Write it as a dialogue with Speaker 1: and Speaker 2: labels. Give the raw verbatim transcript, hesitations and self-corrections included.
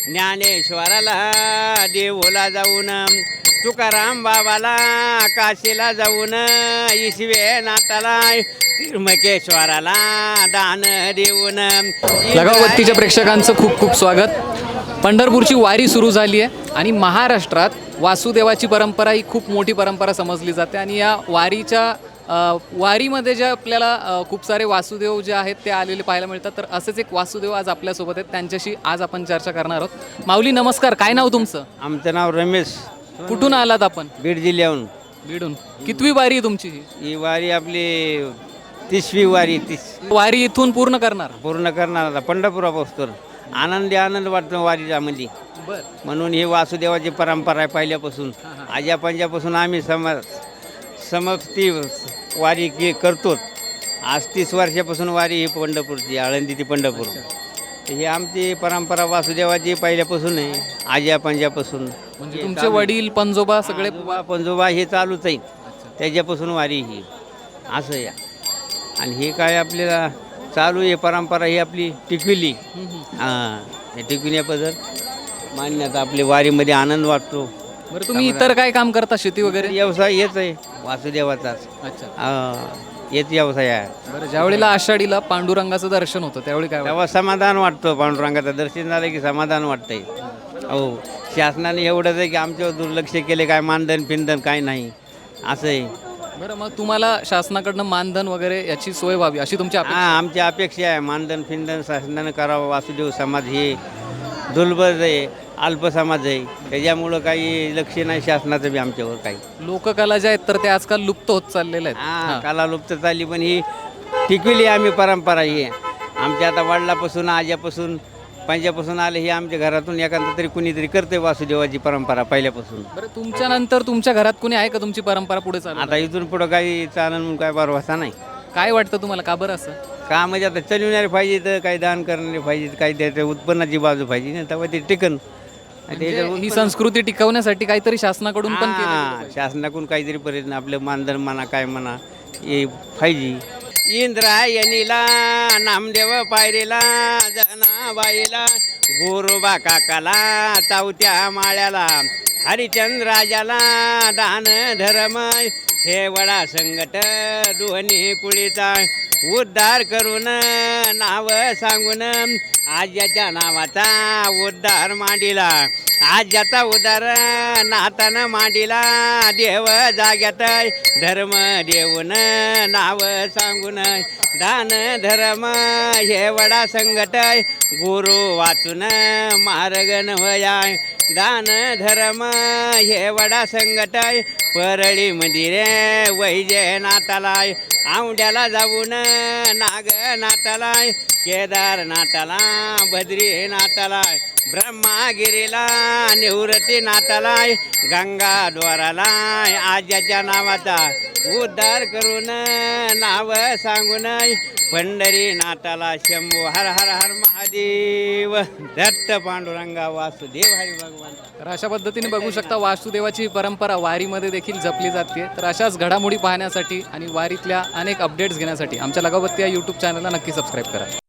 Speaker 1: ज्ञानेश्वराला देऊला जाऊन, तुकाराम बाबाला काशीला जाऊन, ईश्वे नाथाला त्र्यंबकेश्वराला दान देऊन.
Speaker 2: लगावबत्तीच्या प्रेक्षकांचं खूप खूप स्वागत. पंढरपूरची वारी सुरू झाली आहे आणि महाराष्ट्रात वासुदेवाची परंपरा ही खूप मोठी परंपरा समजली जाते आणि या वारीच्या अ, वारीमध्ये जे आपल्याला अ, खूप सारे वासुदेव जे आहेत ते आलेले पाहायला मिळतात. तर असेच एक वासुदेव आज आपल्यासोबत आहेत, त्यांच्याशी आज आपण चर्चा करणार आहोत. माऊली नमस्कार, काय नाव तुमचं?
Speaker 1: आमचं नाव रमेश,
Speaker 2: कुठून आलात आपण?
Speaker 1: बीड जिल्ह्याहून.
Speaker 2: बीडून. कितवी वारी आहे तुमची ही?
Speaker 1: ही वारी आपली तिसवी वारी, तीस
Speaker 2: वारी इथून पूर्ण करणार?
Speaker 1: पूर्ण करणार आता पंढरपुरापासून. आनंदी आनंद वाटतो वारीच्यामध्ये,
Speaker 2: बर.
Speaker 1: म्हणून ही वासुदेवाची परंपरा आहे पहिल्यापासून. आज्या पंजापासून आम्ही सम समक्ती वारी के करतो. आज तीस वर्षापासून वारी ही पंढरपूरची, आळंदी ती पंढरपूर. ही आमची परंपरा वासुदेवाची पहिल्यापासून आहे, आज्या पंजापासून.
Speaker 2: म्हणजे तुमचे वडील पंजोबा सगळे?
Speaker 1: आजोबा पंजोबा हे चालूच आहे, त्याच्यापासून वारी ही असं या. आणि हे काय आपल्याला चालू आहे परंपरा ही आपली टिकविली. हां, हे टिकविण्याबद्दल मान्यता. आपली वारीमध्ये आनंद वाटतो.
Speaker 2: बरं, तुम्ही इतर काय काम करता, शेती वगैरे?
Speaker 1: व्यवसाय हेच आहे वासुदेवाचाच.
Speaker 2: अच्छा.
Speaker 1: हां, हेच व्यवसाय आहे.
Speaker 2: बरं, ज्यावेळेला आषाढीला पांडुरंगाचं दर्शन होतं त्यावेळी काय वाटतं?
Speaker 1: तेव्हा समाधान वाटतं. पांडुरंगाचं दर्शन झालं की समाधान वाटतंय. हो, शासनाने एवढंच आहे की आमच्यावर दुर्लक्ष केले, काय मानधन पिंधन काय नाही असं आहे.
Speaker 2: बरं, मग तुम्हाला शासनाकडनं मानधन वगैरे याची सोय व्हावी अशी तुमची अपेक्षा?
Speaker 1: हां, आमची अपेक्षा आहे. मानधन फिंधन शासनानं करावं. वासुदेव समाज हे दुर्बल आहे, अल्प समाज आहे, त्याच्यामुळं काही लक्ष नाही शासनाचं बी आमच्यावर काही.
Speaker 2: लोककला ज्या आहेत तर ते आजकाल लुप्त होत चाललेल्या आहेत.
Speaker 1: हां, कला लुप्त चालली, पण ही टिकविली आम्ही परंपरा. ही आमच्या आता वडिलापासून आज्यापासून पंजापासून आले, ही आमच्या घरातून एखादं तरी कुणीतरी करते वासुदेवाची परंपरा पहिल्यापासून.
Speaker 2: बरं, तुमच्या नंतर तुमच्या घरात कोणी आहे का तुमची परंपरा पुढे चालू?
Speaker 1: आता इथून पुढं काही चालन म्हणून काय भरवसा नाही.
Speaker 2: काय वाटतं तुम्हाला, का बरं असं?
Speaker 1: का म्हणजे आता चलविणारे पाहिजे, तर काही दान करणारे पाहिजे, काही त्याच्या उत्पन्नाची बाजू पाहिजे ना, तेव्हा ते टिकन.
Speaker 2: म्हणजे ही संस्कृती टिकवण्यासाठी काहीतरी शासनाकडून पण केलं
Speaker 1: हां,
Speaker 2: पाहिजे.
Speaker 1: शासनाकडून काहीतरी पर्यंत आपलं मानधन म्हणा काय म्हणा हे पाहिजे. इंद्रायणीला नामदेव पायरीला जनाबाईला गोरोबा काकाला चावत्या माळ्याला हरिचंद्राजाला दान धर्म हे वडा संगट दोन्ही कुळीचा उद्धार करून नाव सांगून आज्याच्या नावाचा उद्धार मांडिला. आज्याचा उद्धार नातानं मांडिला. देव जाग्यात धर्म देऊन नाव सांगून दान धर्म हे वडा संगट गुरु वाचून मार्ग नवया. दान धर्म हे वडा संगट परळी मंदिरे वैजनाथाला. औंड्याला जाऊन नागनाथाला, केदारनाथाला, बद्रीनाथाला, ब्रह्मागिरीला, निवृत्तीनाथाला, गंगाद्वाराला आज्याच्या नावाचा उद्धार करून नाव सांगून पंढरीनाथाला शंभू हर हर हर महादेव दत्त पांडुरंगा वासुदेव हरी भगवान.
Speaker 2: तर अशा पद्धतीने बघू शकता वासुदेवाची परंपरा वारीमध्ये देखील जपली जाते. तर अशाच घडामोडी पाहण्यासाठी आणि वारीतल्या अनेक अपडेट्स घेण्यासाठी आमच्या लगावबत्ती या यूट्यूब चॅनलला नक्की सबस्क्राईब करा.